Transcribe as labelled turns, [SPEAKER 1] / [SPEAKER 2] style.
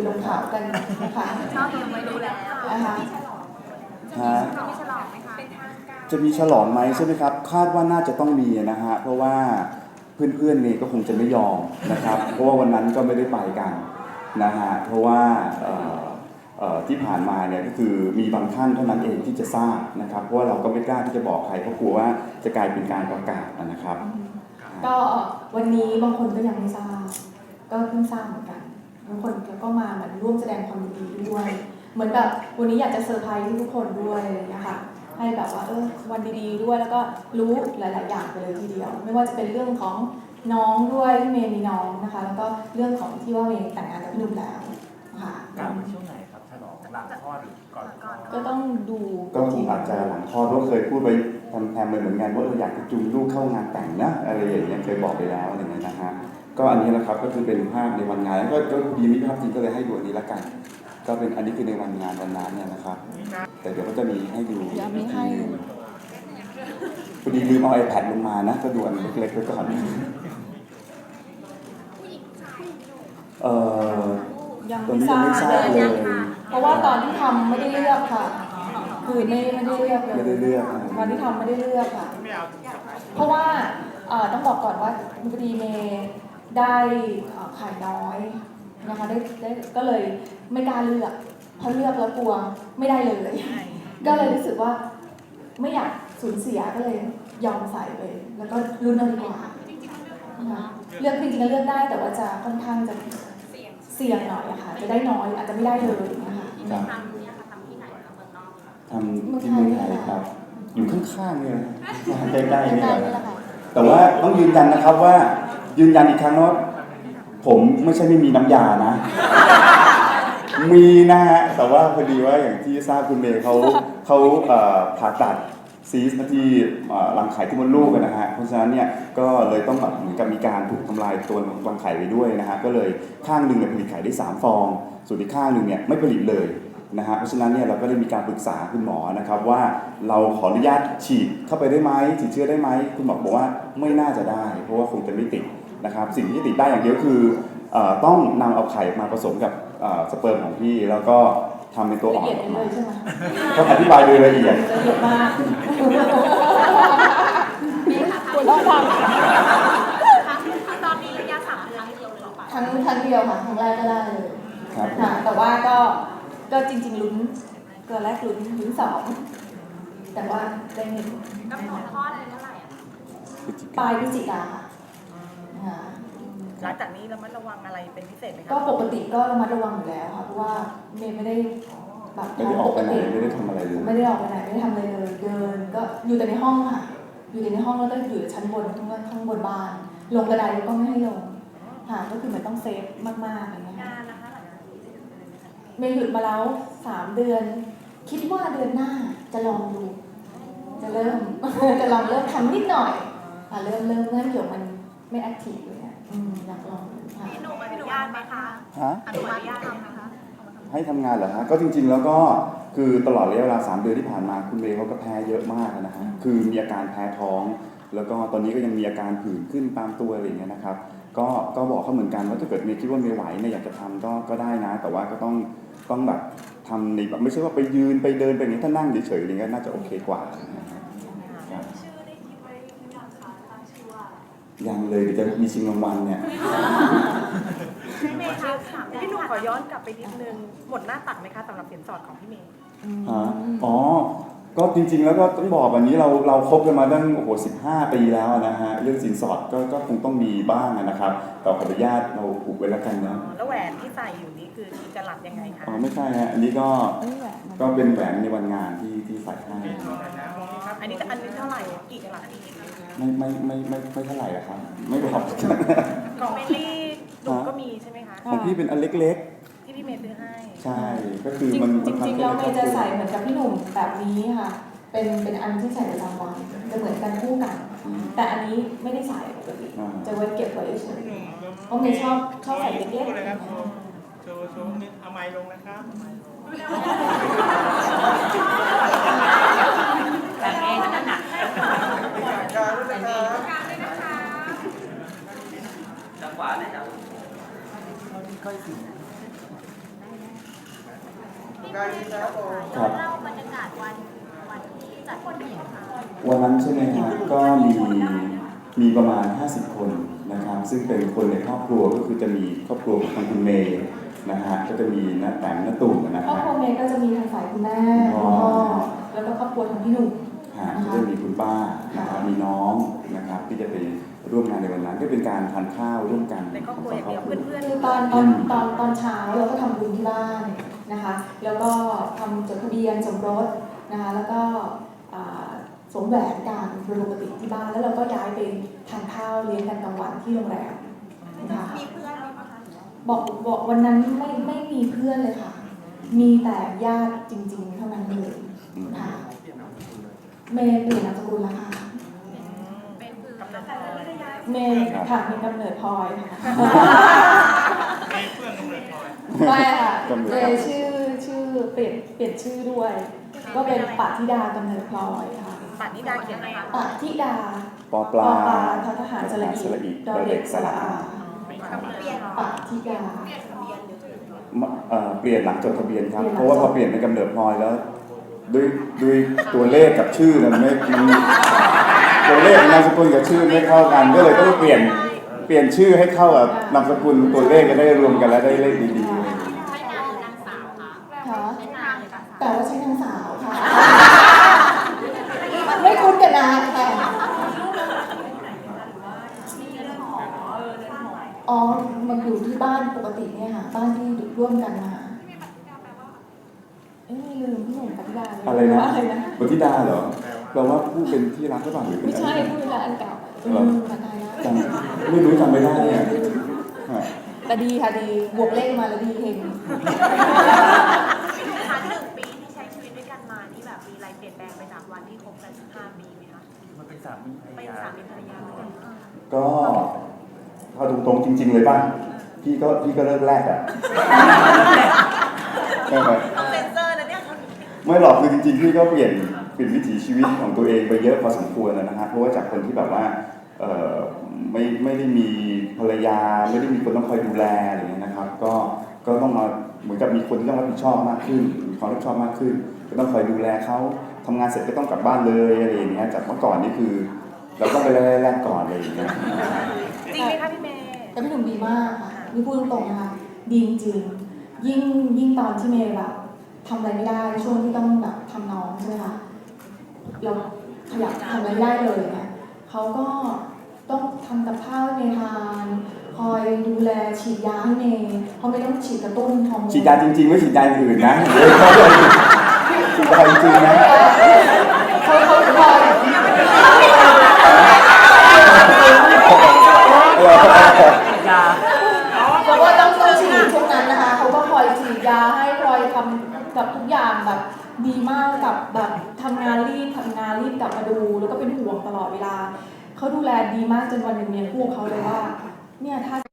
[SPEAKER 1] ลงข่าวกันนะคะ
[SPEAKER 2] ชอบยังไม่รู้แล้ว
[SPEAKER 1] นะคะ
[SPEAKER 2] จะมีฉลองไหมคะ
[SPEAKER 3] จะมีฉลองไหมใช่ไหมครับคาดว่าน่าจะต้องมีนะฮะเพราะว่าเพื่อนๆเนี่ยก็คงจะไม่ยอมนะครับเพราะว่าวันนั้นก็ไม่ได้ไปกันนะฮะเพราะว่าที่ผ่านมาเนี่ยก็คือมีบางท่านเท่านั้นเองที่จะทราบนะครับเพราะว่าเราก็ไม่กล้าที่จะบอกใครเพราะกลัวว่าจะกลายเป็นการประกาศนะครับ
[SPEAKER 1] ก็วันนี้บางคนก็ยังไม่ทราบก็เพิ่งทราบเหมือนกันบางคนก็มาเหมือนร่วมแสดงความยินดีด้วยเหมือนแบบวันนี้อยากจะเซอร์ไพรส์ทุกคนด้วยอะไรอย่างเงี้ยค่ะให้แบบว่าวันดีๆด้วยแล้วก็รู้หลายๆอย่างไปเลยทีเดียวไม่ว่าจะเป็นเรื่องของน้องด้วยที่เมย์มีน้องนะคะแล้วก็เรื่องของที่ว่าเมย์แต่งงานกับนุ่มแล้วค่ะ
[SPEAKER 4] ช่วงไหนครับฉลองหลังคลอดหรือก่อนคลอด
[SPEAKER 1] ก็ต้องดู
[SPEAKER 3] ก็คงอาจจะหลังคลอดเพราะเคยพูดไปแทมๆไปเหมือนกันว่าอยากจะจูงลูกเข้างานแต่งนะอะไรอย่างเงี้ยเคยบอกไปแล้วอะไรเงี้ยนะฮะก็อันนี้แหละครับก็คือเป็นภาพในวันงานก็ดีมีภาพจริงก็เลยให้ดูอันนี้ละกันก็เป็นอันนี้คือในวันงานวันนั้นเนี่ยนะครับแต่เดี๋ยวก็จะมีให้ดูพอดีลืมเอา iPad ลงมานะก็ดูอันเล็กๆไว้ก่อน
[SPEAKER 1] ยังไม่ทราบเลยเพราะว่าตอนที่ทำไม่ได้เลือกค่ะคือไม่ได้เลือกเลย
[SPEAKER 3] ไม่ได้เลือก
[SPEAKER 1] ตอนที่ทำไม่ได้เลือกค่ะเพราะว่าต้องบอกก่อนว่าพอดีเมย์ได้ขายน้อยนะคะได้ก็เลยไม่กล้าเลือกเพราะเลือกแล้วกลัวไม่ได้เลยก็เลยรู้สึกว่าไม่อยากสูญเสียก็เลยยอมใส่ไปแล้วก็รุ่นเอาดีกว่าเลือกจริงๆเลือกได้แต่ว่าจะค่อนข้างจะเสี่ยงหน่อยอะค่ะจะได้น้อยอาจจะไม่ได้เลยนะคะ
[SPEAKER 2] ทำเนี่ยค่ะทำที่ไหนคะเมืองนอก
[SPEAKER 3] ทำที่เมืองไทยครับอยู่ข้างๆเนี่ยใกล้ๆนี่แหละแต่ว่าต้องยืนยันนะครับว่ายืนยันอีกครั้งว่าผมไม่ใช่ไม่มีน้ำยานะมีนะฮะแต่ว่าพอดีว่าอย่างที่ทราบคุณเมย์เขาผ่าตัดซีสที่รังไข่ที่มดลูกนะฮะเพราะฉะนั้นเนี่ยก็เลยต้องแบบเหมือนกับมีการถูกทำลายตัวรังไข่ไปด้วยนะฮะก็เลยข้างหนึ่งเนี่ยผลิตไข่ได้3 ฟองส่วนอีกข้างหนึ่งเนี่ยไม่ผลิตเลยนะฮะเพราะฉะนั้นเนี่ยเราก็ได้มีการปรึกษาคุณหมอนะครับว่าเราขออนุญาตฉีดเข้าไปได้ไหมฉีดเชื้อได้ไหมคุณหมอบอกว่าไม่น่าจะได้เพราะว่าคงจะไม่ติดนะครับสิ่งที่ติดได้อย่างเดียวคือต้องนำเอาไข่มาผสมกับสเปิร์มของพี่แล้วก็ทำเป็นตัวอ่อนออกมาต้องอธิบายโดยละเอียด
[SPEAKER 1] ละเอียดมากคุณต้องท
[SPEAKER 2] ตอนนี้ระยะ3 เดือนเดียวเลยหรอปะ
[SPEAKER 1] ำครั้งเดียวค่ะครั้งแรกก็ได้เลยค่ะแต่ว่าก็จริงๆลุ้นตัวแรกลุ้น2แต่ว่าได้1
[SPEAKER 2] กำหนดคลอดเป็นเท่าไหร่อ่ะ
[SPEAKER 1] ปลายพฤศจิกาค่ะ
[SPEAKER 4] หลังจากนี้ระมัดระวังอะไรเป็นพิเศษไหมคะ
[SPEAKER 1] ก็ปกติก็ระมัดระวังอยู่แล้วค่ะเพราะว่าเมย์ไม่ได้แบบ
[SPEAKER 3] ไม่ได้ออกไปไหนไม่ได้ทำอะไรเลย
[SPEAKER 1] ไม่ได้ออกไปไหนไม่ได้ทำอะไรเลยเดินก็อยู่แต่ในห้องค่ะอยู่แต่ในห้องแล้วก็อยู่ชั้นบนข้างบนบ้านลงกระไดก็ไม่ให้ลงค่ะก็คือมันต้องเซฟมากๆอะไรเงี้ยค่ะเมย์หยุดมาแล้ว3 เดือนคิดว่าเดือนหน้าจะลองดูจะลองเริ่มทำนิดหน่อยเริ่มเดี๋ยวมันไม่แอคทีฟเลยเนี่ยอยากลองค่ะ
[SPEAKER 2] พี่หนุ่มอนุญาตไหมคะอนุญาตทำนะคะ
[SPEAKER 3] ให้ทำงานเหรอฮะก็จริงๆแล้วก็คือตลอดระยะเวลา3 เดือนที่ผ่านมาคุณเมย์เขาก็แพ้เยอะมากนะฮะคือมีอาการแพ้ท้องแล้วก็ตอนนี้ก็ยังมีอาการผื่นขึ้นตามตัวอะไรอย่างเงี้ยนะครับก็บอกเขาเหมือนกันว่าถ้าเกิดเมย์คิดว่าเมย์ไหวเนี่ยอยากจะทำก็ได้นะแต่ว่าก็ต้องแบบทำในแบบไม่ใช่ว่าไปยืนไปเดินไปอย่างนี้ถ้านั่งเฉยๆอะไรเงี้ยน่าจะโอเคกว่ายังเลยเดี๋ยวจะมีชิงรางวัลเนี่ย
[SPEAKER 4] พี่เมย์คะพี่หนุ่มขอย้อนกลับไปนิดนึงหมดหน้าตักไหมคะสำหรับสินสอดของพี่เมย์
[SPEAKER 3] อ๋อก็จริงๆแล้วก็ต้องบอกวันนี้เราคบกันมาตั้ง15 ปีแล้วนะฮะเรื่องสินสอดก็คงต้องมีบ้างนะครับแต่ขออนุญาตเราผูกไว้แล้วกันนะ
[SPEAKER 4] แล้วแหวนที่ใส่อยู่นี้คือจะหลับยังไงคะ
[SPEAKER 3] อ๋อไม่ใช่ฮะอันนี้ก็เป็นแหวนในวันงานที่ใส่ให้
[SPEAKER 4] อันนี้เท่าไหร่กี่กะรัต
[SPEAKER 3] ไม่เท่าไหร่อะครับไม่บอก
[SPEAKER 4] ของเมลี่หนูก็มีใช่ไหมคะ
[SPEAKER 3] ของพี่เป็นอันเล็ก
[SPEAKER 4] ๆที่พี่เมย์ซื้อให้
[SPEAKER 3] ใช่ก็คือมัน
[SPEAKER 1] จริงๆแล้วเมย์จะใส่เหมือนกับพี่หนุ่มแบบนี้ค่ะเป็นอันที่ใส่ประจำวันจะเหมือนกันคู่กันแต่อันนี้ไม่ได้ใส่ปกติจะไว้เก็บไว้เฉยเพราะเมย์ชอบใส่เล็กๆ
[SPEAKER 5] เลยครับโชว์นิดเอาไม้ลงนะครับ
[SPEAKER 2] แบบนี้นั่นน่ะ
[SPEAKER 5] การด้วยนะครับ
[SPEAKER 2] จังหวะไหนครับ
[SPEAKER 3] ใกล้สิ
[SPEAKER 5] การดีครับผม
[SPEAKER 3] ครับ
[SPEAKER 2] เล่าบรรยากาศวันที่จัดคนเห็นค่ะ
[SPEAKER 3] วันนั้นใช่ไหมครับก็มีประมาณ 50 คนนะครับซึ่งเป็นคนในครอบครัวก็คือจะมีครอบครัวของทางคุณเมย์นะฮะก็จะมีน้าแต๋มน้าตุ่มนะ
[SPEAKER 1] ครอบ
[SPEAKER 3] ฮะ
[SPEAKER 1] ครัวเมย์ก็จะมีทางฝ่ายคุณแม่คุณพ่อแล้วก็ครอบครัวของพี่หนุ่ม
[SPEAKER 3] ก็จะมีคุณป้านะครับมีน้องนะครับที่จะไปร่วมงานในวันนั้นก็เป็นการทานข้าวร่วมกัน
[SPEAKER 4] ในครอบครัวอย่างเดียวเพื่อน
[SPEAKER 1] คือตอนเช้าเราก็ทำบุญที่บ้านนะคะแล้วก็ทำจดทะเบียนสมรสนะคะแล้วก็สวมแหวนกันโดยปกติที่บ้านแล้วเราก็ย้ายไปทานข้าวเลี้ยงกันกลางวันที่โรงแรมนะคะ
[SPEAKER 2] มีเพื่อนไหมคะ
[SPEAKER 1] บอกวันนั้นไม่มีเพื่อนเลยค่ะ มีแต่ญาติจริงๆเท่านั้นเลยค่ะเมย์เปลี่ยนนามสกุลแล้วค่ะ
[SPEAKER 2] เป็นคือ
[SPEAKER 1] เมย์ค่ะมีกำเนิดพลอยค่ะ
[SPEAKER 5] มีเพื่อนตรงไหนพลอย
[SPEAKER 1] ไม่ค่ะเมย์ชื่อเปลี่ยนชื่อด้วย ก็เป็นปาธิดากำเนิดพลอยค่ะ
[SPEAKER 4] ๆป่านนี้ดาเขียนไหมคะ
[SPEAKER 1] ปาธิดา
[SPEAKER 3] ปอปลา
[SPEAKER 1] ททหารสระอีดอเด็กสระอา
[SPEAKER 2] เปลี่ยน
[SPEAKER 1] ปาธิดา
[SPEAKER 3] เปลี่ยนหลังจดทะเบียนครับ
[SPEAKER 1] เปลี่ยนหลัง
[SPEAKER 3] เพราะว่าพอเปลี่ยนเป็นกำเนิดพลอยแล้วด้วยตัวเลขกับชื่อมันตัวเลขนามสกุลกับชื่อไม่เข้ากันก็เลยต้องเปลี่ยนชื่อให้เข้ากับนามสกุลตัวเลขจะได้รวมกันแล้วได้เลขดี
[SPEAKER 2] ใช้นางหรือนางสาวคะ
[SPEAKER 1] ค่ะ
[SPEAKER 2] ใช้นางหรือนางสาว
[SPEAKER 1] แต่ว่าใช้นางสาวค่ะ ไม่คุ้นกันนะค่ะอ๋อมันอยู่ที่บ้านปกติเนี่ยค่ะ บ้านที่ร่วมกันมาไม่ลืมพี่หนุ่มปฏิดาเลย
[SPEAKER 3] ๆอะไรนะ
[SPEAKER 1] ว่าอะไรนะ
[SPEAKER 3] บทิดาเหรอแปลว่าผู้เป็นที่รักหรือเปล่าหรือเป็น
[SPEAKER 1] ไม่
[SPEAKER 3] อะไร
[SPEAKER 1] ใช่พูดเวลาอันเก่ามาตายแล้ว
[SPEAKER 3] จำไม่รู้จำไม่ได้เนี่ยฮะ
[SPEAKER 1] แต่ดีค่ะดีบวกเลขมาแล้วดีเฮง
[SPEAKER 2] คะ1 ปีที่ใช้ชีวิตด้วยกันมานี่แบบมีอะไรเปลี่ยนแปลงไปจากวันที่คบกัน15 ปีไหมคะ
[SPEAKER 5] มันเป็นสามีภรร
[SPEAKER 2] เป็น
[SPEAKER 5] ยา
[SPEAKER 2] สามีภรรยาด้วยกัน
[SPEAKER 3] ก็เอาตรงๆจริง ๆ เลยป่ะพี่ก็เลิกแรกอ่ะใช่ไหม
[SPEAKER 2] ต้องเซ็นเซอร์นะเนี่ย
[SPEAKER 3] ไม่หรอกคือจริงๆพี่ก็เปลี่ยนวิถีชีวิตของตัวเองไปเยอะพอสมควรนะฮะเพราะว่าจากคนที่แบบว่าไม่ได้มีภรรยาไม่ได้มีคนต้องคอยดูแลอะไรอย่างเงี้ยนะครับก็ต้องมาเหมือนกับมีคนที่ต้องรับผิดชอบมากขึ้นมีความรับผิดชอบมากขึ้นก็ต้องคอยดูแลเขาทำงานเสร็จก็ต้องกลับบ้านเลยอะไรอย่างเงี้ยจากเมื่อก่อนนี่คือเราต้องไปแรกก่อนอะไรอย่างเงี้ย
[SPEAKER 4] จริงไหมคะพี่เมย์
[SPEAKER 1] แต่พี่หนุ่มดีมากค่ะนี่พูดตรงๆนะคะดีจริงๆยิ่งตอนที่เมย์แบบทำอะไรไม่ได้ช่วงที่ต้องแบบทำน้องใช่ไหมคะเราขยับทำอะไรไม่ได้เลยเนี่ยเขาก็ต้องทำกับข้าวให้เมย์ทานคอยดูแลฉีดยาให้เมย์เพราะไม่ต้องฉีดกระตุ้นฮอร์โมน
[SPEAKER 3] ฉีดยาจริงๆไม่ฉีดยาอย่างอื่นนะฉีดยาจริงๆนะ
[SPEAKER 1] เขาคอย เพราะว่าต้องฉีดช่วงนั้นนะคะเขาก็คอยฉีดยาให้คอยทำกับทุกอย่างแบบดีมากกับแบบทำงานรีบกลับมาดูแล้วก็เป็นห่วงตลอดเวลาเขาดูแลดีมากจนวันหนึ่งเมียพูดเขาเลยว่าเนี่ยถ้า